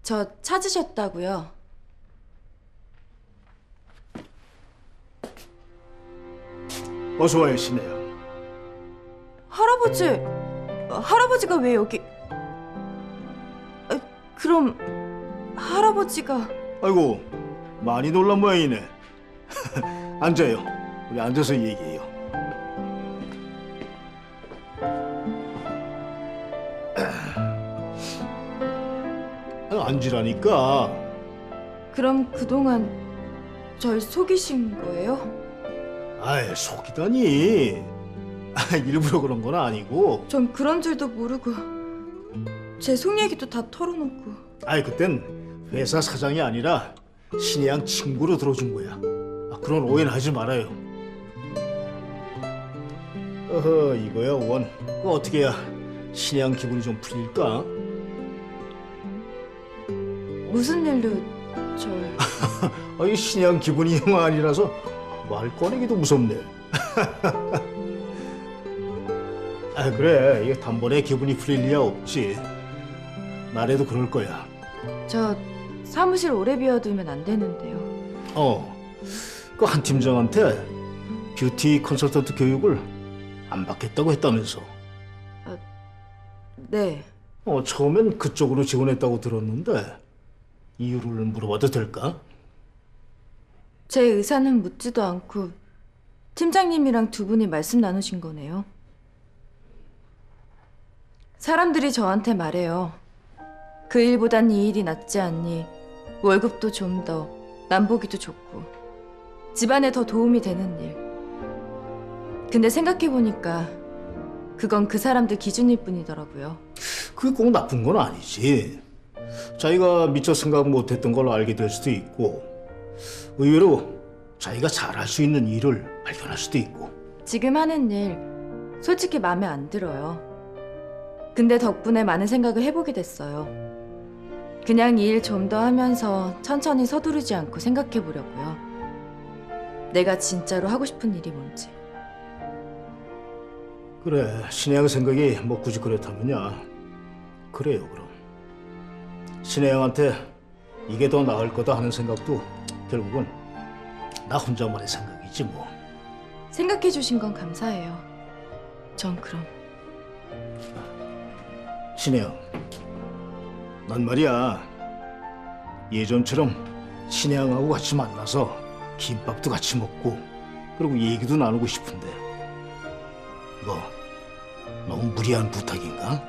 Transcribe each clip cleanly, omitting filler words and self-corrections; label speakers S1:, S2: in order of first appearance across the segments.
S1: 저 찾으셨다고요?
S2: 어서 와요, 신혜야.
S1: 할아버지, 할아버지가 왜 여기? 그럼 할아버지가...
S2: 아이고, 많이 놀란 모양이네. 앉아요. 우리 앉아서 얘기해요. 앉으라니까.
S1: 그럼 그동안 절 속이신 거예요?
S2: 아이, 속이다니. 일부러 그런 건 아니고.
S1: 전 그런 줄도 모르고 제 속 얘기도 다 털어놓고.
S2: 아이, 그땐 회사 사장이 아니라 신혜양 친구로 들어준 거야. 그런 오해는 하지 말아요. 어허, 이거야, 원. 어떻게 해야 신혜양 기분이 좀 풀릴까?
S1: 무슨 일로 절...
S2: 이 신혜양 기분이 영 아니라서 말 꺼내기도 무섭네. 그래, 이게 단번에 기분이 풀릴 리야 없지. 나래도 그럴 거야.
S1: 저 사무실 오래 비워두면 안 되는데요.
S2: 그 한 팀장한테 뷰티 컨설턴트 교육을 안 받겠다고 했다면서.
S1: 네.
S2: 처음엔 그쪽으로 지원했다고 들었는데 이유를 물어봐도 될까?
S1: 제 의사는 묻지도 않고 팀장님이랑 두 분이 말씀 나누신 거네요. 사람들이 저한테 말해요. 그 일보단 이 일이 낫지 않니? 월급도 좀 더, 남보기도 좋고 집안에 더 도움이 되는 일. 근데 생각해보니까 그건 그 사람들 기준일 뿐이더라고요.
S2: 그게 꼭 나쁜 건 아니지. 자기가 미처 생각 못했던 걸 알게 될 수도 있고, 의외로 자기가 잘할 수 있는 일을 발견할 수도 있고.
S1: 지금 하는 일 솔직히 마음에 안 들어요. 근데 덕분에 많은 생각을 해보게 됐어요. 그냥 이 일 좀 더 하면서 천천히 서두르지 않고 생각해보려고요. 내가 진짜로 하고 싶은 일이 뭔지.
S2: 그래, 신혜양 생각이 뭐 굳이 그렇다면야. 그래요, 그럼. 신혜양한테 이게 더 나을 거다 하는 생각도 결국은 나 혼자만의 생각이지 뭐.
S1: 생각해주신 건 감사해요. 전 그럼.
S2: 신혜양, 난 말이야, 예전처럼 신혜양하고 같이 만나서 김밥도 같이 먹고 그리고 얘기도 나누고 싶은데 이거 너무 무리한 부탁인가?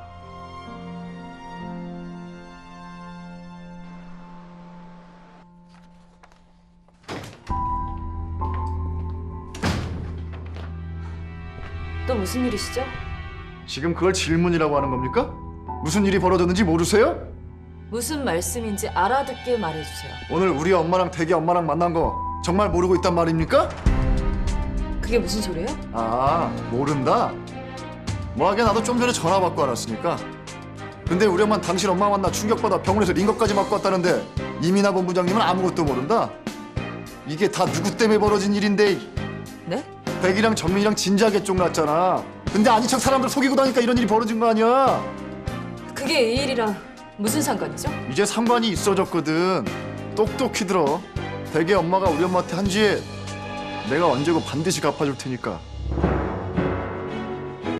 S1: 또 무슨 일이시죠?
S3: 지금 그걸 질문이라고 하는 겁니까? 무슨 일이 벌어졌는지 모르세요?
S1: 무슨 말씀인지 알아듣게 말해주세요.
S3: 오늘 우리 엄마랑 대기 엄마랑 만난 거 정말 모르고 있단 말입니까?
S1: 그게 무슨 소리예요?
S3: 아, 모른다? 뭐하게 나도 좀 전에 전화 받고 알았으니까. 근데 우리 엄마는 당신 엄마 만나 충격받아 병원에서 링거까지 맞고 왔다는데 이민아 본부장님은 아무것도 모른다? 이게 다 누구 때문에 벌어진 일인데.
S1: 네?
S3: 백이랑 전민이랑 진지하게 쫑났잖아. 근데 아닌 척 사람들 속이고 다니까 이런 일이 벌어진 거 아니야.
S1: 그게 이 일이랑 무슨 상관이죠?
S3: 이제 상관이 있어졌거든. 똑똑히 들어. 대개 엄마가 우리 엄마한테 한 죄 내가 언제고 반드시 갚아줄 테니까.